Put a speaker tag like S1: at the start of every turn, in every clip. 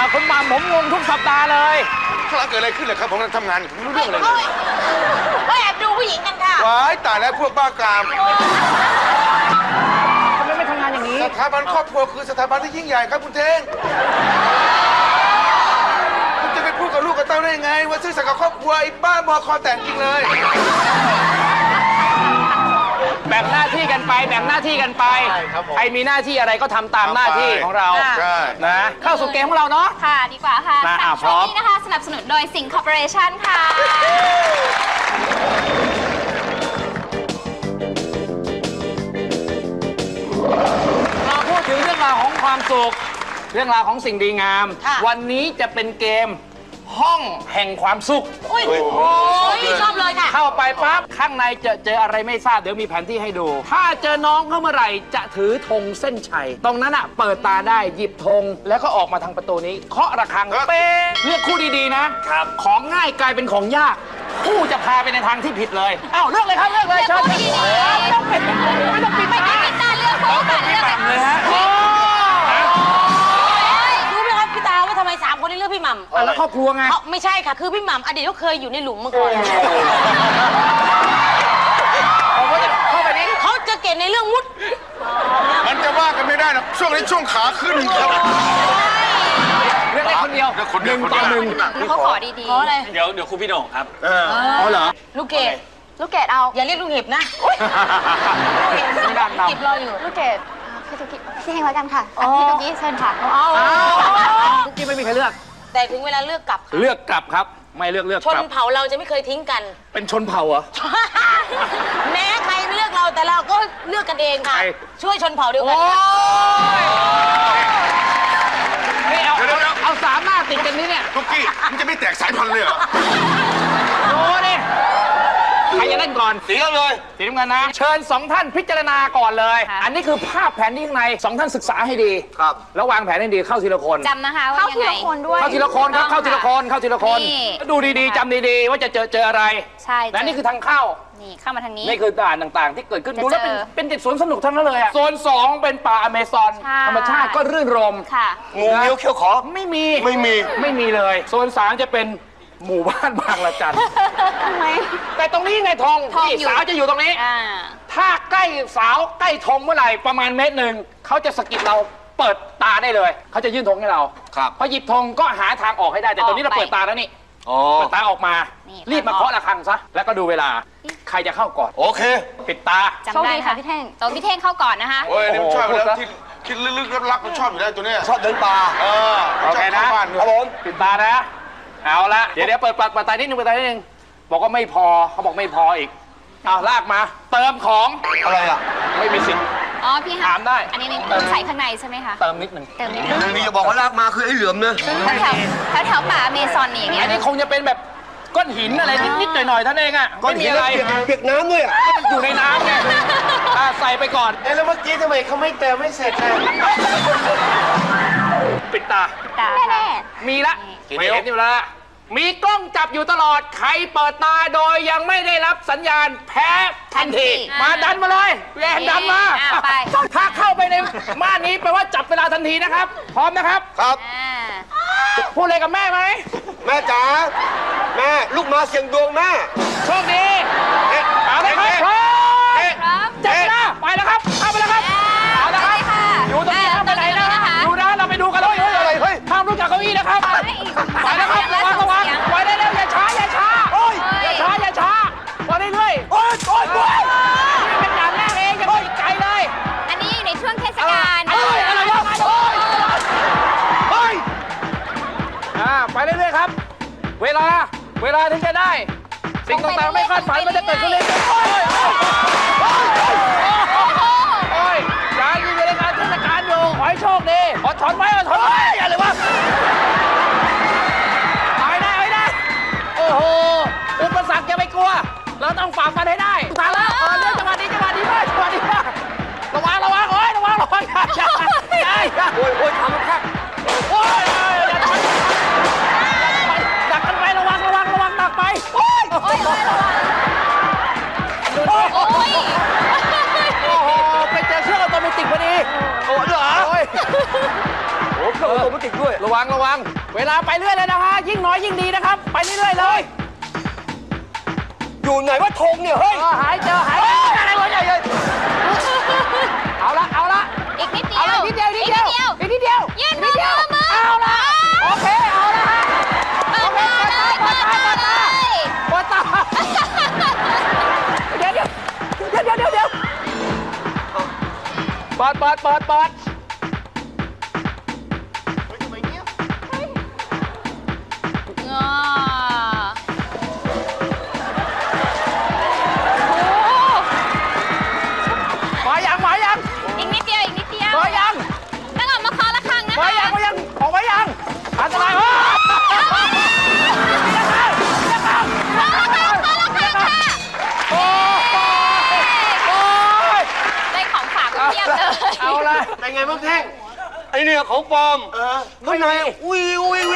S1: คุณหม่ำผมงงทุกสัปดาห์เลย
S2: ข้างหลังเกิดอะไรขึ้นเหรอครับผมกำลังทำงานอยู่ไม่รู้เรื่องเลย
S3: ก็แอบดูผู้หญิงกันค่ะ
S2: ว้ายตายแล้วพวกบ้ากาม
S1: ทำไมไม่ทำงานอย่างนี้
S2: สถาบันครอบครัวคือสถาบันที่ยิ่งใหญ่ครับคุณเท่งคุณจะไปพูดกับลูกกับเต้าได้ยังไงว่าซื่อสัตย์กับครอบครัวไอ้บ้าบอคอแตกจริงเลย
S1: แบ่งหน้าที่กันไปแบ่งหน้าที่กันไปใครมีหน้าที่อะไรก็ทำตามหน้าที่ของเรา
S2: ใช่
S1: นะเข้าสู่เกมของเราเนาะ
S4: ค่ะดีกว่าค่ะ
S1: มา
S4: ค่ะ
S1: พร้
S4: ช่ว
S1: อม
S4: งนี้นะคะสนับสนุนโดยสิงคอร์ปอเรชั่นค่ะ
S1: เราพูดถึงเรื่องราวของความสุขเรื่องราวของสิ่งดีงาม
S3: ค่ะ
S1: วันนี้จะเป็นเกมห้องแห่งความสุข
S3: โอ้ยชอบเลยค่ะ
S1: เข้าไปปั๊บข้างในเจออะไรไม่ทราบเดี๋ยวมีแผนที่ให้ดู ถ้าเจอน้องเข้าเมื่อไหร่จะถือธงเส้นชัยตรงนั้นอ่ะเปิดตาได้หยิบธงแล้วก็ออกมาทางประตูนี้เคาะระฆังเป๊ะเลือกคู่ดีๆนะครับของง่ายกลายเป็นของยากคู่จะพาไปในทางที่ผิดเลยอ้าวเลือกเลยครับเลือกเลยเชิญ
S4: เลือกคู่ดีๆ
S1: ไม่ต้องปิดไม่ต้องปิด
S4: ไม่ต้องปิดตาเลือกคู่ค่ะเลือก
S1: ต่ำเลยฮะ
S3: รู้ไหมครับพี่ตาว่าทำไม3 คนนี้เลือกพี่หม่ำ
S1: แล้วครอบครัวไง
S3: เขาไม่ใช่ค่ะ คือพี่หม่ำอดีตเขาเคยอยู่ในหลุมมาก่อน
S1: เข้าไปนี่
S3: เขาจะเก่งในเรื่องมุด
S2: มันจะว่ากันไม่ได้นะช่วงนี้ช่วงขาขึ้นครับ
S1: เลือกได้คนเดียว
S2: เลือกคนเดียว
S1: 1 ต่อ
S4: เขาขอดี
S3: ขออะไร
S5: เดี๋ยวครูพี่โหน่งครับ
S1: อ๋อเหรอ
S3: ลูกเกด
S4: ๆ ลูกเกดเอา
S3: อย่าเรียกลูกเห็บนะ
S1: ต้องด้านนำ
S3: เก็บรออยู่
S4: ลูกเกดพี่ตุ๊กกี้พี่เฮงแล้วกันค่ะพี่ตุ๊กกี้เชิญค่ะ
S3: เอา
S1: ทุกที่ไม่มีใครเลือก
S3: แต่ถึงเวลาเลือกกลับ
S1: เลือกกลับครับ ไม่เลือก
S3: ช
S1: ก
S3: น
S1: ลับ
S3: เผ่าเราจะไม่เคยทิ้งกัน
S1: เป็นชนเผ่าเหรอ
S3: แม้ใครไม่เลือกเราแต่เราก็เลือกกันเองค่ะ
S1: ใคร
S3: ช่วยชนเผ่าเดียวกั
S1: โอ้
S3: น
S1: ยนี่เอาสามหน้าติดกันนี่เนี่ย
S2: ทุกกี้มันจะไม่แตกสายพันธุ์เลยเหรอ
S1: โอ้ดิใครจะเล่นก่อน
S2: สีกันเลย
S1: สีน้ำเงินนะ เชิญ2 ท่านพิจารณาก่อนเลย อันนี้คือภาพแผนที่ข้างใน2 ท่านศึกษาให้ดี
S2: ครับ
S1: แล้ววางแผนให้ดีเข้าทีละคน
S4: จำนะคะว่ายังไงเข้าทีละคนด้วย
S1: เข้าทีละคนครับเข้าทีละคนเข้าทีละคน
S4: นี่
S1: ดูดีๆจำดีๆว่าจะเจออะไร
S4: ใช่
S1: และนี่คือทางเข้า
S4: นี่เข้ามาทางนี้
S1: นี่คือด่านต่างๆ ที่เกิดขึ้น
S4: จะ
S1: ดูแล้วเป็น
S4: เจอ
S1: เป็นเด็กสวนสนุกทั้งนั้นเลยอะโซน 2 เป็นป่าอเมซอน
S4: ใช่
S1: ธรรมชาติก็รื่นรม
S4: ค่ะ
S2: งูเงี้ยวเขี้ยวขอ
S1: ไม่มี
S2: ไม่มี
S1: ไม่มีเลย โซน 3 จะเป็นหมู่บ้านบางละจัน
S4: ทำไม
S1: แต่ตรงนี้ไงธง
S4: ธง
S1: นี่
S4: อยู่
S1: สาวจะอยู่ตรงนี้
S4: อ่า
S1: ถ้าใกล้สาวใกล้ธงเมื่อไหร่ประมาณ1 เมตรเขาจะสะกิดเราเปิดตาได้เลยเขาจะยื่นธงให้เรา
S2: ครับ
S1: พอหยิบธงก็หาทางออกให้ได้แต่ตอนนี้เราเปิดตาแล้วนี่
S2: อ๋อ
S1: เปิดตาออกมา
S4: นี่
S1: รีบมาเคาะระฆังซะแล้วก็ดูเวลาใครจะเข้าก่อน
S2: โอเค
S1: ปิดตา
S4: จำได้ค่ะพี่เท่งตัวพี่เท่งเข้าก่อนนะคะ
S2: โอ้ยอันนี่มันชอบอยู่แล้ว
S1: โอ้โห
S2: ที่คิดลึกๆลับๆมันชอบอยู่แล้วตัวเนี้ย
S5: ชอบเดินป่า
S2: เออ
S1: โอเคนะ
S2: ชบข้าบ้านด้วย
S5: ครับผม
S1: ปิดตานะ เอาละเดี๋ยวเปิดตานิดนึงเปิดตานิดนึงบอกว่าไม่พอเขาบอกไม่พออีกเอาลากมา เติมของ
S5: อะไรอ่ะ
S1: ไม่มีสิทธิ์
S4: อ๋อพี่
S1: ถามได้
S4: อันนี้ต้องใส่ข้างในใช่ไหมคะ
S1: เติมนิดหนึ่ง
S4: เติมนิดนึง
S5: นี่จะบอกว่าลากมาคือไอ้เหลือมเนอะ
S4: แถวป่าอเมซอนนี่อย่างเงี้
S1: อั
S4: ย
S1: นนี้คงจะเป็นแบบก้อนหินอะไรนิดๆหน่อยๆเท่านั้นเองอะไม่มีอะไร
S5: เปียกน้ำด้วยอ่ะ
S1: มันอยู่ในน้ำไงใส่ไปก่อน
S2: แล้วเมื่อกี้ทำไมเขาไม่เติมไม่เสร็จเลย
S1: ปิดตา
S4: แน่
S1: มีละไม่เห็นอยู่แล้วมีกล้องจับอยู่ตลอด ใครเปิดตาโดยยังไม่ได้รับสัญญาณแพ้ทันที มาดันมาเลยแรงดันมา
S4: ไป
S1: ถ้าเข้าไปในม่านนี้แปลว่าจับเวลาทันทีนะครับ พร้อมนะครับ
S2: ครับ
S1: พูดอะไรกับแม่ไหม
S5: แม่จ๋าแม่ลูกมาเสียงดวงแม่
S1: โชคดีเอาละครับพร้อม
S4: ครับ
S1: จับเวลาไปแล้วครับเข้าไปแล้วครับเอาละครับ
S4: ค่ะ
S1: อยู่ตรงนี้ห้ามไปไหนนะดูนะเราไปดูกันเลยเฮ้ยห้ามลุกจากเก้าอี้นะครับไปแล้วครับระวังไปได้เร็วอย่าช้าอย่าช้าอย่าช้าไปเรื่อยๆโอ๊ยเป็นด่านแรกเองอย่าไปไกลเลย
S4: อันนี้อยู่ในช่วงเทศกาล
S1: อะไรวะไปเรื่อยๆครับ เวลาถึงจะได้ สิ่งต่างๆไม่คาดฝันมันจะเกิดขึ้นเลยโอ้ยยังอยู่ในงานเทศกาลอยู่ขอให้โชคดีอดทนไว้อะไรวะเอาให้ได้โอ้โหอุปสรรคอย่าไปกลัว เราต้องฝ่าฟันให้ได้ทางแล้วเรื่องจังหวะนี้มากระวังโอ้ยระวังอย่าโอ้ยทำมันแค่โอ้ยดักกันไประวังดักไปโอ้ย
S4: โอ้ยระวัง
S1: ดูดิ
S4: โอ้ย
S1: โอ้โหไปเจอเครื่องออโตเมติกพอดีโอ้เหรอโอ้เครื่อง
S5: ออโรแมนติกด้วย
S1: ระวังระวัง เวลาไปเรื่อยเลยนะฮะ ยิ่งน้อยยิ่งดีนะครับ ไปเรื่อยๆเลย
S5: อยู่ไหนว่าธงเนี่ย เฮ้ย
S1: หายเจอหายอะไรวะเนี่ยเอาละเอาละ
S3: อีกนิดเดี
S1: เอา
S3: ยว
S1: ละนิดเดียวนิดเดียวอีกนิดเดียว
S3: ยื่นมือ
S1: เอาละโอเคเอาละฮะ
S3: เปิดตาเลยเปิดตาเลย
S1: เปิดตาเดี๋ยวเปิด
S3: งอ
S1: มายัง
S3: อีกนิดเดียวอีกนิดเดียว
S1: มายัง
S3: ต้องออกมาเคาะระฆังนะคะ
S1: มายังออกมายังอันตรายโอ้ย
S3: ได้ของฝากมาเพียบเลย
S1: เอาละ
S2: เป็นไงบ้างแท่ง
S5: ไอเนี่ยของปลอม
S2: ข้างในอุ้ย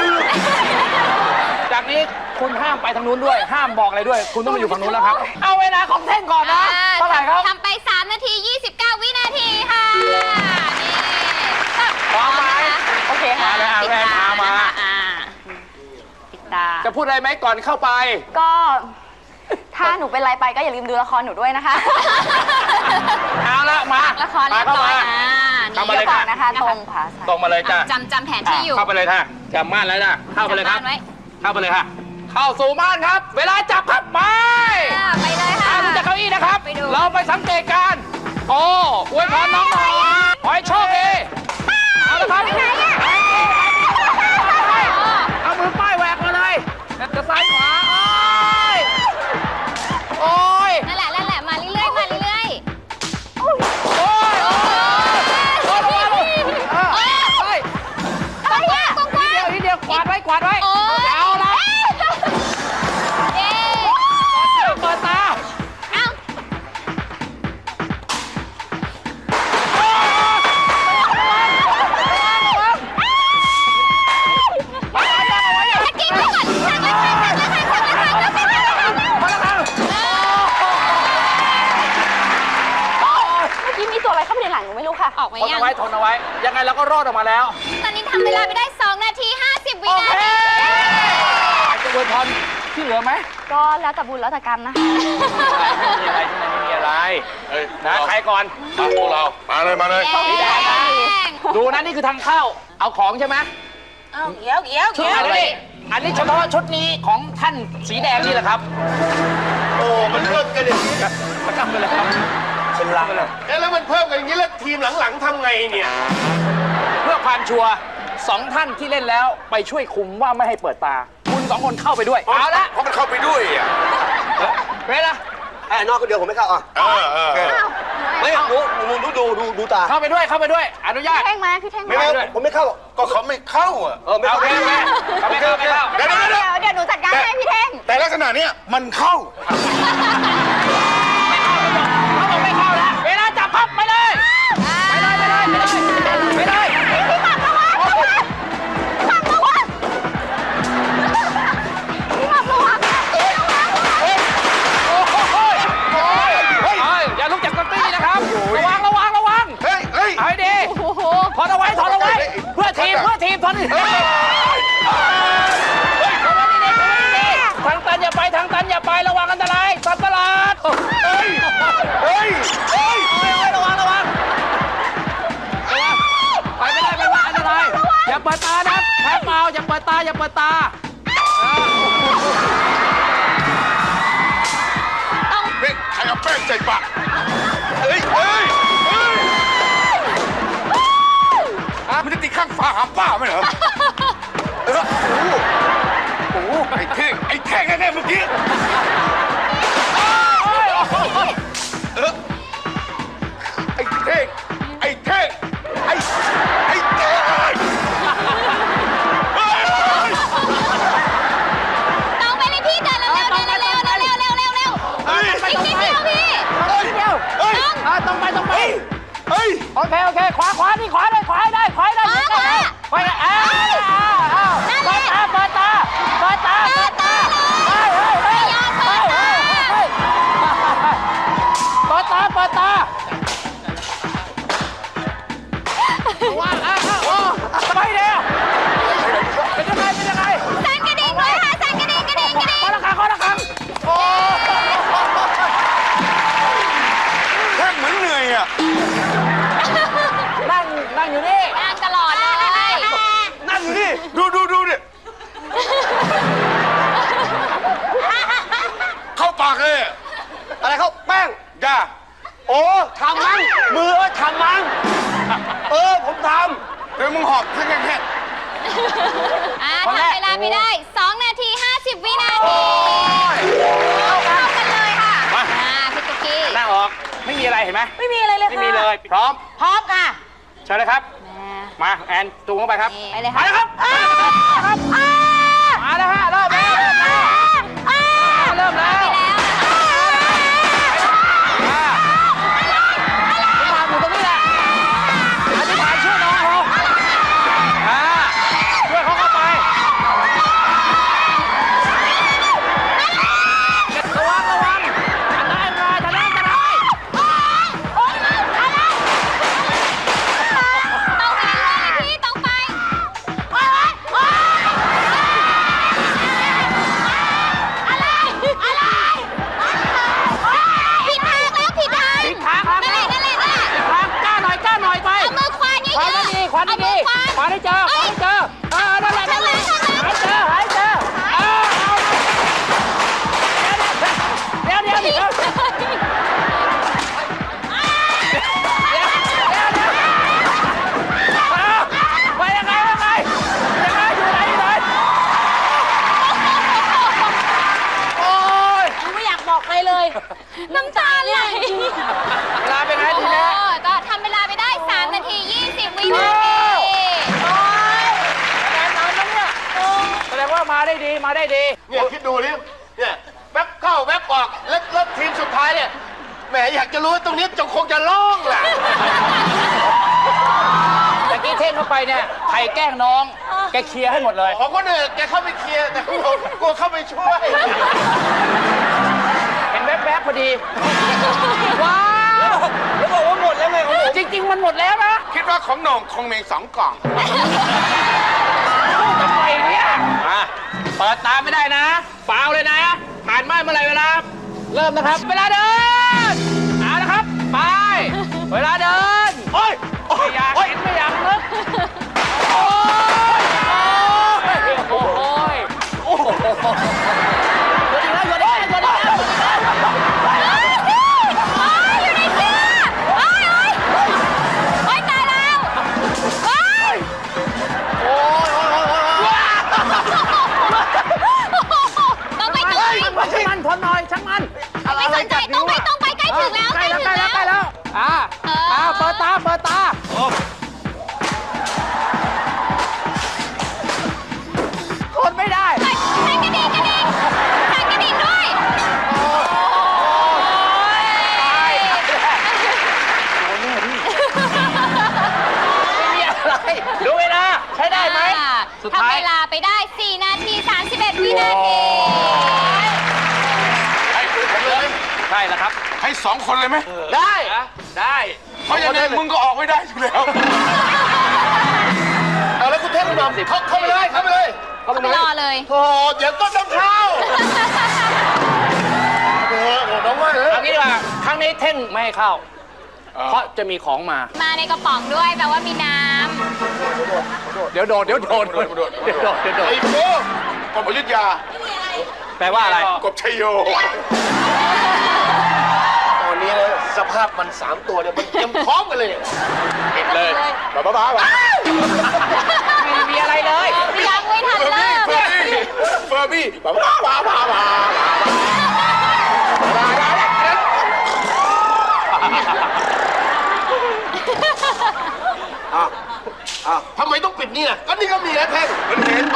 S1: จากนี้คุณห้ามไปทางนู้นด้วย ห้ามบอกอะไรด้วย คุณต้องมาอยู่ฝั่งนู้นแล้วครับ เอาเวลาของเท่งก่อนนะเท่าไหร่ครับ
S3: ทำไป 3 นาที 29 วินาทีค่ะ นี่
S1: พร้อมไหม
S3: โอเคค่ะ
S1: มาเลยแว่นตามา
S3: ปิดตา
S1: จะพูดอะไรไหมก่อนเข้าไป
S4: ก็ ถ้าหนูเป็นไรไปก็อย่าลืมดูละครหนูด้วยนะคะ
S1: เอาละมา
S3: ละครเรียบร้อยนะ
S1: เข้ามาเลย
S4: ก่
S1: ค่ะ
S4: อนนะคะตรงค่ะ
S1: ตรงมาเลยจ้ะ
S3: จำแผนที่อยู่
S1: เข้าไปเลยค่ะจำม่านแล้วนะเข้าไปเลยครับ
S3: จำม่านไว้
S1: เข้าไปเลยค่ะ เข้าสู่ม่านครับ เวลาจับครับไป
S3: ไปเลยค่ะ
S1: ลุกจากเก้าอี้นะครับ
S3: ไปดู
S1: เราไปสังเกตการณ์โอ้อวยพรน้องหน่อยขอให้โชคดีเอาละครับเอามือป้ายแหวกมาเลยจะซ้ายขวาโอ้ย
S3: นั่นแหละมาเรื่อยๆมาเรื่อย
S1: โอ้ยโอ้ย
S3: ๆกว้าง
S1: นิดเดียวกวาดไว้
S3: โอ้ย
S1: เอาละ
S3: เย้
S1: เปิดตา
S3: เอ้าถ้ากินก่อนชักละคัง
S1: มาแล้วครับ
S4: เมื่อกี้มีตัวอะไรเข้าไปในหลังหนูไม่รู้ค่ะ
S3: ออกไหม
S1: ทน
S3: ยัง
S1: เอาไว้ทนเอาไว้ ยังไงเราก็รอดออกมาแล้ว
S3: ตอนนี้ทำเวลาไปได้ 2 นาที 50 วิ
S1: โอ
S3: นา
S1: เค
S3: ที
S1: จะอวยพรที่เหลือไหม
S4: ก็แล้วแต่บุญแล้วแต่กรรมนะคะ
S1: ไม่มีอะไรนะใครก่อน
S2: พวกเรา มาเลย
S1: สีแดงนะดูนะนี่คือทางเข้า เอาของใช่ไหม
S3: เอาเดี๋ยว
S1: ชุดอะไรนี่อันนี้เฉพาะชุดนี้ของท่านสีแดงนี่แหละครับ
S2: โอ้ มันเพิ่มกันอย่างนี้
S1: ประจำไปเลยครับเป็นลังเลย
S2: แล้วมันเพิ่มกันอย่างนี้แล้วทีมหลังๆทำไงเนี่ย
S1: เพื่อความชัวร์สองท่านที่เล่นแล้วไปช่วยคุมว่าไม่ให้เปิดตา คุณสองคนเข้าไปด้วย เอาละ
S2: เพราะมันเข้าไปด้วยอ่ะ
S1: เวลา
S5: ไอ้นอกก็เดียวผมไม่เข้าอ่ะ ไม่ดูตา
S1: เข้าไปด้วยอนุญาต
S4: พี่เท่งมาพี่เท่ง
S5: ไม่
S4: มา
S5: ไม่ผมไม่เข้า
S2: ก็เขาไม่เข้าอ่ะ
S5: ไม่
S1: โอ
S5: เข้า
S1: เคไม่เข้า
S2: เดี๋ยว
S4: เดี๋ยวหนูจัดการให้พี่เท่ง
S2: แต่ลักษณะเนี้ยมันเข้า
S1: เขาบอกไม่เข้าแล้วเวลาจับพับไปเลยไปเลย
S4: พี่หม่ำระวังพี่หม่ำระวัง
S1: อย่าลุกจากเก้าอี้นะครับ ระวัง
S2: เฮ้ย
S1: เอาให้ดีถอนเอาไว้เพื่อทีมถอนดีๆทางตันอย่าไประวังอันตรายสัตว์ประหลาด
S2: เฮ้ย
S1: ระวังไปไม่ได้อันตรายอย่าเปิดตานะแพ้เปล่าอย่าเปิดตา
S2: เฮ้ยใครเอาแป้งใส่ปากเฮ้ยมันจะติดข้างฝาหาป้าไหมเหรอโอ้โหไอ้เท่งแน่ๆเมื่อกี้ไอ้เท่ง
S3: ต้องไปเลยพี่เดินเร็วอีกนิดเดียวพี่
S1: ต้องไปโอเคขวานี่ขวาได้ขวาได้เปิดตาเปิดตาว้าวไปเดี๋ยว
S4: ไปได้ 2 นาที 50 วินาทีเข้ากันเลยค่ะพี่ตุ๊กกี้
S1: นั่งออกไม่มีอะไรเห็นไหม
S3: ไม่มีอะไรเลยค่ะ
S1: ไม่มีเลยพร้อม
S3: พร้อมค่ะ
S1: เชิญเลยครับมาแอนจูงเข้าไปครับ
S4: ไปเลย
S1: มา
S4: ค่ะ
S1: แล้วครับมาแล้วฮะเริ่มแล้วเริ่มแล้วมาอยู่ตรงนี้แหละอธิษฐานช่วยน้องเขาช่วยเขาเข้าไประวังอันได้ทะเล
S4: ต้องไปเรื่อยๆพี่ต้องไปอะไรผิดทางแล้วผิดทาง
S1: ผิดทางครับ
S4: นั่นแหละ
S1: ทางกล้าหน่อยไป
S4: เอามือควานเยอะ
S1: ควานให้ดีควานให้ดีควานให้เจอนั่นแหละหายเจอเดี๋ยวไปยังไงอยู่ไหนโอ้ย
S3: ไม่อยากบอกใครเลย
S4: น้ำตาไหล
S1: เวลาเป็นไงที
S4: โอ้
S1: นี้
S4: ก็ทำเวลาไปได้ 3 นาที 20 วินาที
S1: แรงน้ำแล้วเนี่ยแสดงว่ามาได้ดี
S5: เนี่ยคิดดูนี่เนี่ยแวบเข้าแวบออกแล้วทีมสุดท้ายเนี่ยแหมอยากจะรู้ตรงนี้จะคงจะร้องแหละ
S1: แต่กี้เท่งเข้าไปเนี่ยใครแกล้งน้องแกเคลียร์ให้หมดเลย
S5: ของคนอื่นแกเข้าไปเคลียร์แต่ของผมกลัวเข้าไปช่วย
S1: เห็นแวบๆพอดี ว้าว
S5: แล้วบอกว่าหมดแล้วไงของผม
S1: จริง ๆ มันหมดแล้วนะ
S2: คิดว่าของโหน่งคงมี2 กล่อง
S1: ทำไมเนี่ยเปิดตาไม่ได้นะฟาวเลยนะผ่านไม่เมื่อไหร่เวลา เริ่มนะครับ เวลาเดินเอาละครับ ไป เวลาเดิน
S5: โอ้ย
S1: ไม่อยากเห็นไม่อยากนึกโอ้ยโอ้โหหยุดอีกแล้ว
S4: อยู่ในเสื้อโอ๊ยตายแล้วโอ๊ย ต้องไป
S1: ช่างมันทนหน่อยช่างมัน
S4: ไม่สนใจต้องไปใกล้ถึงแล้ว
S1: ใกล้แล้วเปิดตาทนไม่ได้
S4: แทงกระดิ่งด้วย
S1: ไม่มีอะไรดูเวลาใช้ได้ไหมสุดท้าย
S4: ทำเวลาไปได้ 4 นาที 31 วินาที
S2: ให้ผมเลย
S1: ใช่แล้วครับ
S2: ให้ 2 คนเลยไหม
S1: ได้
S2: เพราะยังไงมึงก็ออกไม่ได้อยู่แล้ว
S5: เอาแล้วคุณเทพคุณหม่อมเข้าไปเลย
S4: เข้าไปรอเลย
S5: โอ้เดี๋ยวก็ต้องเข้าโอ้น้องว่า
S1: เอางี้ดีกว่าครั้งนี้เท่งไม่ให้เข้า เพราะจะมีของมา
S4: มาในกระป๋องด้วยแปลว่ามีน้
S1: เดี๋ยวโดด
S5: ไอ้โบ้กบอยุธยา
S1: แปลว่าอะไร
S2: กบชัยโย
S5: ตอนนี้นะสภาพมัน3 ตัวเนี่ยมันเตรียมพร้อมกันเลยเห็นเลยบ้า
S1: ไม่มีอะไรเลย
S4: ำยังไม่ทันเริ่ม
S2: เฟอร์บี้
S5: ทำไมต้องปิดนี่ล่ะก็นี่ก็มีแล้วแท่ง
S2: มันเห็น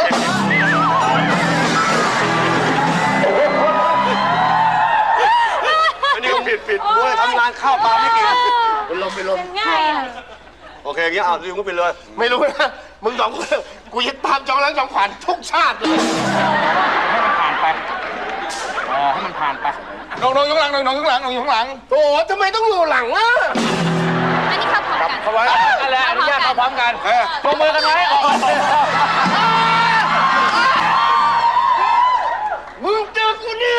S5: อันนี้ก็ปิดด้วยทำงานข้าวปลาไม่กินเป็นลม
S3: ง่ายอ่ะ
S5: โอเคอย่างเงี้ยเอาดิวก็ไปเลย ไม่รู้นะมึง2 คนกูยึดตามจองล้างจองผ่านทุกชาติเลย
S1: ให้มันผ่านไปให้มันผ่านไป
S2: น้องข้างหลังน้องข้างหลังน้องข้างหลัง
S5: โอ้โหทำไมต้องอยู่หลังอ่ะ
S4: อันนี้เข้าพร้อมกัน
S2: เข้าไว้
S1: นั่นแหละอนุญาตเข้าพร้อมกัน
S2: เออ
S1: ปรบมือกันไว้ออก
S5: มึงเจอกูนี่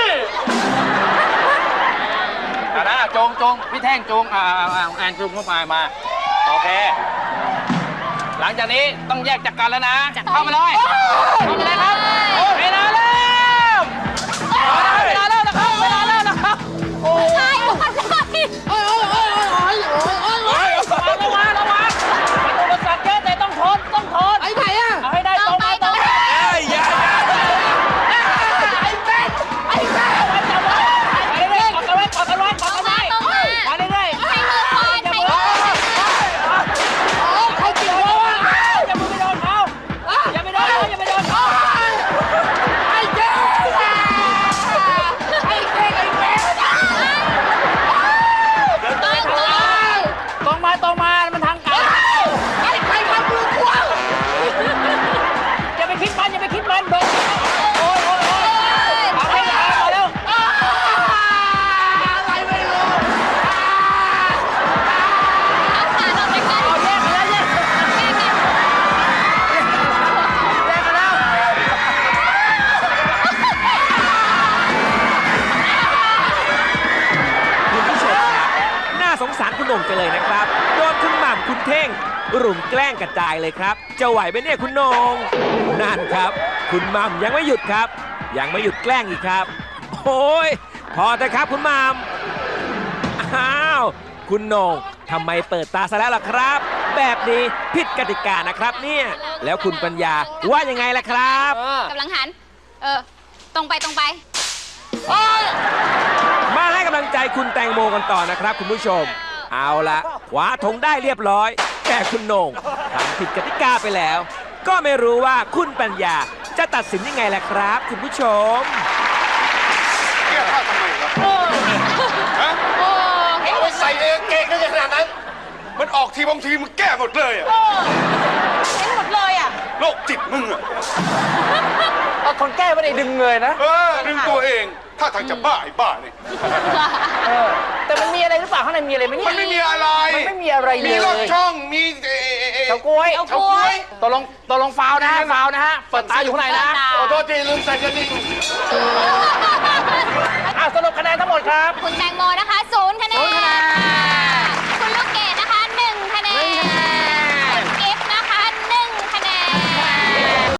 S1: นะจงพี่แท่งจงแอนจงเข้ามาโอเค หลังจากนี้ต้องแยกจากกันแล้วนะ เข้ามาเลยครับเวลาเริ่มนะครับ โอ้ย
S4: ใช่หมดเลย
S1: ระวังมันอุปสรรคเยอะแต่ต้องทน
S3: ไอ้ไหนอ่ะ
S1: เอาให้ได้ตรง
S4: ต้องไป
S1: อย่า
S6: ครับ โดนคุณหม่ำคุณเท่ง รุมแกล้งกระจายเลยครับ จะไหวไหมเนี่ยคุณโหนงนั่นครับ คุณหม่ำยังไม่หยุดครับ ยังไม่หยุดแกล้งอีกครับ โอ้ยพอเถอะครับคุณหม่ำอ้าวคุณโหนงทำไมเปิดตาซะแล้วล่ะครับ แบบนี้ผิดกติกานะครับเนี่ยแล้วคุณปัญญาว่ายังไงล่ะครับ
S4: กำลังหัน ตรงไปตรงไป
S6: มาให้กำลังใจคุณแตงโมกันต่อนะครับคุณผู้ชม เอาละคว้าธงได้เรียบร้อย แต่คุณโหน่งทำผิดกติกาไปแล้ว ก็ไม่รู้ว่าคุณปัญญาจะตัดสินยังไงล่ะครับ คุณผู้ชม
S2: แก้ผ้าทำไมครับฮะ
S5: เอาไปใส่เองเก่งได้ขนาดนั้น
S2: มันออกทีบางทีมันแก้หมดเลยอะ
S3: เห็นหมดเลยอ่ะ
S2: โรคจิตมึงอะ
S1: คนแก้ไม่ได้ดึงเลยนะ
S2: ดึงตัวเองถ้าทางจะบ้าไอ้บ้าเนี่ย
S1: แต่มันมีอะไรหรือเปล่าข้างในมีอะไรไหมเนี่ย
S2: มันไม่มีอะไร
S1: มันไม่มีอะไรเลย
S2: มีรถช่องมี
S1: เฉาก๊วย
S3: เฉาก๊วย
S1: ตกลงฟาวนะฮะฟาวนะฮะ เปิดตาอยู่ข้างในนะ
S5: ขอโทษทีลืมใส่กระดิ่ง
S1: สรุปคะแนนทั้งหมดครับ
S4: คุณแตงโมนะคะ